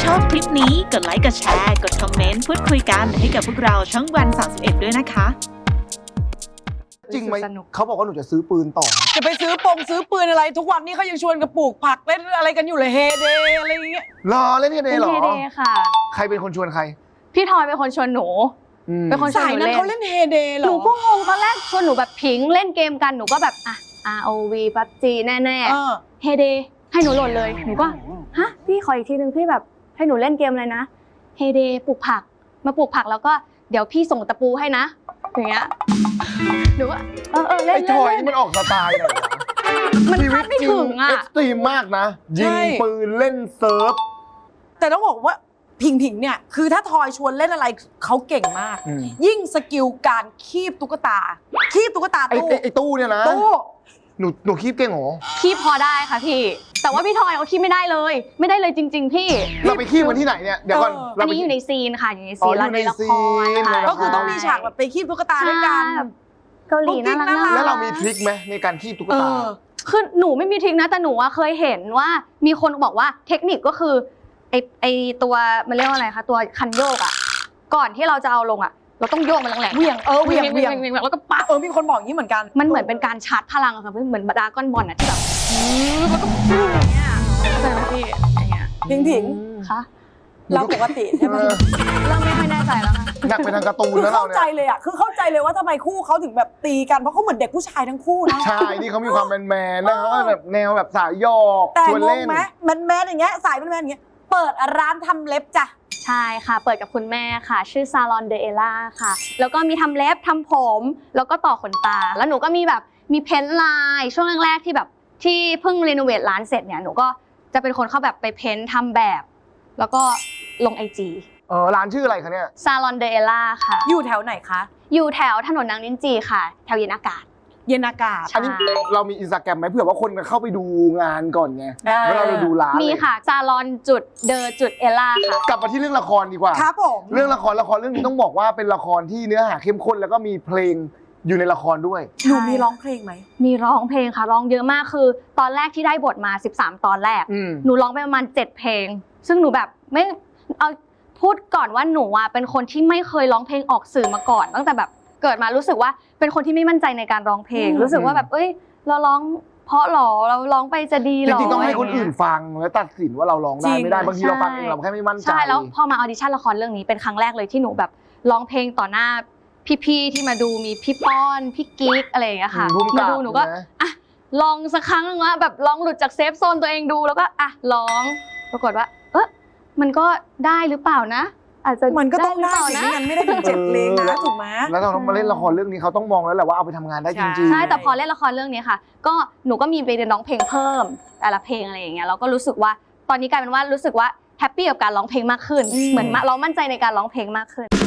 ชอบคลิปนี้กดไลค์กดแชร์กดคอมเมนต์พูดคุยกันให้กับพวกเราช่องวัน31ด้วยนะคะจริงไหมเขาบอกว่าหนูจะซื้อปืนต่อจะไปซื้อปืนอะไรทุกวันนี้เขายังชวนกันปลูกผักเล่นอะไรกันอยู่เลยเฮเดอะไรอย่างเงี้ยรอเล่นเฮเดหรอเฮเดค่ะใครเป็นคนชวนใครพี่ทอยเป็นคนชวนหนูเป็นคนชวนหนูเล่นเขาเล่นเฮเดเหรอหนูก็งงตอนแรกชวนหนูแบบพิงเล่นเกมกันหนูก็แบบอ่ะ ROV PUBG แน่ๆเฮเดให้หนูโหลดเลยหนูก็ฮะพี่ขออีกทีนึงพี่แบบให้หนูเล่นเกมอะไรนะเฮเดปลูกผักมาปลูกผักแล้วก็เดี๋ยวพี่ส่งตะปูให้นะอย่างเงี้ยหนูว่าเล่นไอ้ทอยนี่มันออกสไตล์ไหนมันคาดไม่ถึงอ่ะเอ็กซ์ตรีมมากนะยิงปืนเล่นเซิร์ฟแต่ต้องบอกว่าผิงเนี่ยคือถ้าทอยชวนเล่นอะไรเขาเก่งมากยิ่งสกิลการคีบตุ๊กตาตู้ไอ้ตู้เนี่ยนะตู้หนูคีบเก่งเหรอคีบพอได้ค่ะพี่แต่ว่าพี่ทอยเขาคีบไม่ได้เลยจริงๆพี่เราไปคีบกันที่ไหนเนี่ยเดี๋ยวก่อนอันนี้อยู่ในซีนค่ะอยู่ในซีนในละครค่ะก็คือต้องมีฉากแบบไปคีบตุ๊กตาด้วยกันเกาหลีน่ารักแล้วเรามีทริคไหมในการคีบตุ๊กตาคือหนูไม่มีทริคนะแต่หนูเคยเห็นว่ามีคนบอกว่าเทคนิคก็คือไอตัวมันเรียกว่าอะไรคะตัวคันโยกอ่ะก่อนที่เราจะเอาลงอ่ะเราต้องโยกมันแรงๆเวียงแล้วก็ปั๊บมีคนบอกอย่างนี้เหมือนกันมันเหมือนเป็นการชาร์จพลังอะค่ะเหมือนดราก้อนบอลอะที่แบบแล้วก็อย่างเงี้ยใช่ไหมพี่อย่างเงี้ยผิงคะเราปกติใช่ไหมเริ่มไม่ค่อยแน่ใจแล้วค่ะหนักไปทางการ์ตูนแล้วเราเนี่ยเข้าใจเลยอะคือเข้าใจเลยว่าทำไมคู่เขาถึงแบบตีกันเพราะเขาเหมือนเด็กผู้ชายทั้งคู่นะใช่นี่เขามีความแมนๆนะเขาก็แบบแนวแบบสายหยอกชวนเล่นไหมแมนอย่างเงี้ยสายแมนอย่างเงี้ยเปิดร้านทำเล็บจ้ะใช่ค่ะเปิดกับคุณแม่ค่ะชื่อซาลอนเดเอล่าค่ะแล้วก็มีทำเล็บทำผมแล้วก็ต่อขนตาแล้วหนูก็มีแบบมีเพ้นท์ลายช่วงแรกๆที่แบบที่เพิ่งรีโนเวทร้านเสร็จเนี่ยหนูก็จะเป็นคนเข้าแบบไปเพ้นท์ทำแบบแล้วก็ลง IG ร้านชื่ออะไรคะเนี่ยซาลอนเดเอล่าค่ะอยู่แถวไหนคะอยู่แถวถนนนางลิ้นจี่ค่ะแถวเย็นอากาศอันนี้เรามีอินสตาแกรมไหมเผื่อว่าคนเข้าไปดูงานก่อนไงแล้วเราไปดูร้านมีค่ะซาลอนจุดเดอจุดเอล่าค่ะกลับมาที่เรื่องละครดีกว่าครับผมเรื่องละครเรื่องนี้ต้องบอกว่าเป็นละครที่เนื้อหาเข้มข้นแล้วก็มีเพลงอยู่ในละครด้วยหนูมีร้องเพลงไหมมีร้องเพลงค่ะร้องเยอะมากคือตอนแรกที่ได้บทมา13ตอนแรกหนูร้องไปประมาณ7เพลงซึ่งหนูแบบไม่เอาพูดก่อนว่าหนูเป็นคนที่ไม่เคยร้องเพลงออกสื่อมาก่อนตั้งแต่แบบเกิดมารู้สึกว่าเป็นคนที่ไม่มั่นใจในการร้องเพลงรู้สึกว่าแบบเราร้องเพราะหรอเราร้องไปจะดีหรอจริงๆต้องให้คนอื่นฟังแล้วตัดสินว่าเราร้องได้ไม่ได้บางทีเราฟังเองเราแค่ไม่มั่นใจใช่แล้วพอมาออดิชั่นละครเรื่องนี้เป็นครั้งแรกเลยที่หนูแบบร้องเพลงต่อหน้าพี่ๆที่มาดูมีพี่ป้อนพี่กิ๊กอะไรอย่างเงี้ยค่ะมาดูหนูก็อ่ะลองสักครั้งนึงว่าแบบลองหลุดจากเซฟโซนตัวเองดูแล้วก็อ่ะร้องปรากฏว่ามันก็ได้หรือเปล่านะอาจจะมันก็ต้องได้สิไม่งั้นไม่ได้ถึง7เพลงนะถูกไหมแล้วเราต้องมาเล่นละครเรื่องนี้เขาต้องมองแล้วแหละว่าเอาไปทำงานได้จริงๆใช่แต่พอเล่นละครเรื่องนี้ค่ะก็หนูก็มีไปเรียนร้องเพลงเพิ่มแต่ละเพลงอะไรอย่างเงี้ยเราก็รู้สึกว่าตอนนี้กลายเป็นว่ารู้สึกว่าแฮปปี้กับการร้องเพลงมากขึ้นเหมือนเรามั่นใจในการร้องเพลงมากขึ้น